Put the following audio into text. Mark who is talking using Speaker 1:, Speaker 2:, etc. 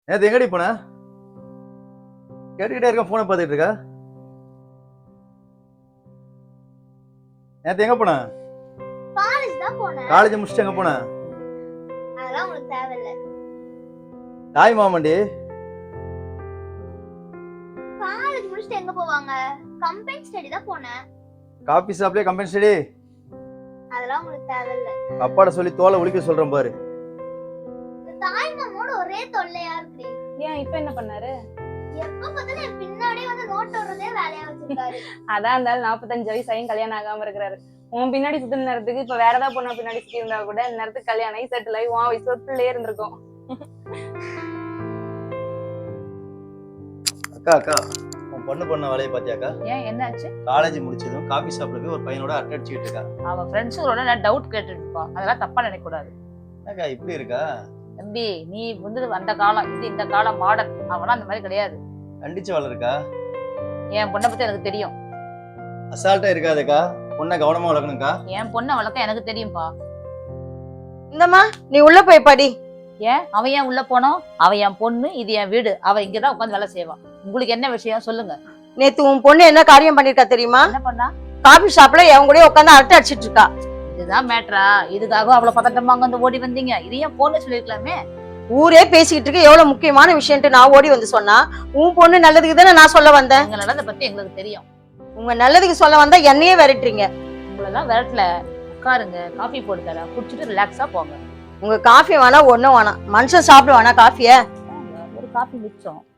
Speaker 1: நேத்து எங்கடி போன? கேட்டுக்கிட்டே இருக்க, போனை பார்த்துட்டு இருக்க. நேத்து எங்க போன?
Speaker 2: காலேஜ் தான் போனேன்.
Speaker 1: காலேஜ் முடிச்சுட்டு எங்க போன?
Speaker 2: அதெல்லாம் உங்களுக்கு தேவையில்ல.
Speaker 1: தாய் மாமண்டி.
Speaker 2: காலேஜ் முடிச்சுட்டு எங்க போவாங்க? கம்பெனி ஸ்டடி தான் போனேன்.
Speaker 1: காபி ஷாப்லயே கம்பெனி ஸ்டடி?
Speaker 2: அதெல்லாம் உங்களுக்கு தேவையில்ல.
Speaker 1: அப்பாட சொல்லி தோலை உளிக்க சொல்றேன் பாரு.
Speaker 2: தாய் மாமோட ஒரே தொல்லையா இருக்கு.
Speaker 3: ஏன் இப்ப என்ன பண்ணாரு?
Speaker 2: எப்ப பார்த்தாலும் என் பின்னாடியே வந்து நோட் ஓடுறதே வேலையா வச்சிருக்காரு.
Speaker 3: அதான் இருந்தாலும் 45 வயசாயும் கல்யாணம் ஆகாம இருக்கிறாரு. உன் பின்னாடி சுத்தின நேரத்துக்கு இப்ப வேற ஏதாவது பொண்ணு பின்னாடி சுத்தி இருந்தா கூட இந்த நேரத்துக்கு கல்யாணம் ஆகி செட்டில் ஆகி உன் வயசுல பிள்ளையே இருந்திருக்கும்.
Speaker 1: அக்கா அக்கா, உன் பொண்ணு பண்ண வேலையை பாத்தியாக்கா?
Speaker 4: ஏன் என்னாச்சு?
Speaker 1: காலேஜ் முடிச்சதும் காபி ஷாப்ல போய் ஒரு பையனோட அரட்டை அடிச்சுக்கிட்டு இருக்கா.
Speaker 4: அவ ஃப்ரெண்ட்ஸுங்களோட நான் டவுட் கேட்டுட்டு இருப்பான். அதெல்லாம் தப்பா நினைக்க கூடாது.
Speaker 1: என்னக்கா இப்படி இருக்கா?
Speaker 4: தம்பி, நீ வந்து அந்த காலம் இது, இந்த காலம் மாடர்ன். அவனா அந்த மாதிரி கிடையாது.
Speaker 1: கண்டிச்சு வளருக்கா.
Speaker 4: என் பொண்ணை பத்தி எனக்கு தெரியும்.
Speaker 1: அசால்ட்டா இருக்காதக்கா, பொண்ணை கவனமா வளர்க்கணும்க்கா.
Speaker 4: என் பொண்ணை வளர்க்க எனக்கு தெரியும்பா.
Speaker 5: இந்தம்மா நீ உள்ள போய் படி.
Speaker 4: ஏன் அவன் ஏன் உள்ள போனோம்? அவ என் பொண்ணு, இது என் வீடு. அவ இங்கதான் உட்காந்து வேலை செய்வான். உங்களுக்கு என்ன விஷயம் சொல்லுங்க.
Speaker 5: நேத்து உன் பொண்ணு என்ன காரியம் பண்ணிருக்கா தெரியுமா?
Speaker 4: என்ன பண்ணா?
Speaker 5: காபி ஷாப்ல என் கூட உட்காந்து அரட்டை அடிச்சிட்டு இருக்கா.
Speaker 4: இதுதான் மேட்ரா? இதுக்காக அவ்வளவு பதட்டமா அங்க வந்து ஓடி வந்தீங்க? இது ஏன் பொண்ணு சொல்லிருக்கலாமே.
Speaker 5: ஊரே பேசிக்கிட்டு இருக்கு, எவ்வளவு முக்கியமான விஷயம்ட்டு நான் ஓடி வந்து சொன்னா உன் பொண்ணு நல்லதுக்கு தானே நான் சொல்ல வந்தேன்.
Speaker 4: எங்க நடந்த பத்தி எங்களுக்கு தெரியும்.
Speaker 5: உங்க நல்லதுக்கு சொல்ல வந்தா என்னையே விரட்டுறீங்க.
Speaker 4: உங்களெல்லாம் விரட்டல. உட்காருங்க, காஃபி போட்டு தரேன், குடிச்சிட்டு ரிலாக்ஸா போங்க.
Speaker 5: உங்க காஃபி வேணா ஒண்ணும் வேணாம், மனுஷன் சாப்பிட வேணா காஃபிய.
Speaker 4: ஒரு காஃபி மிச்சம்.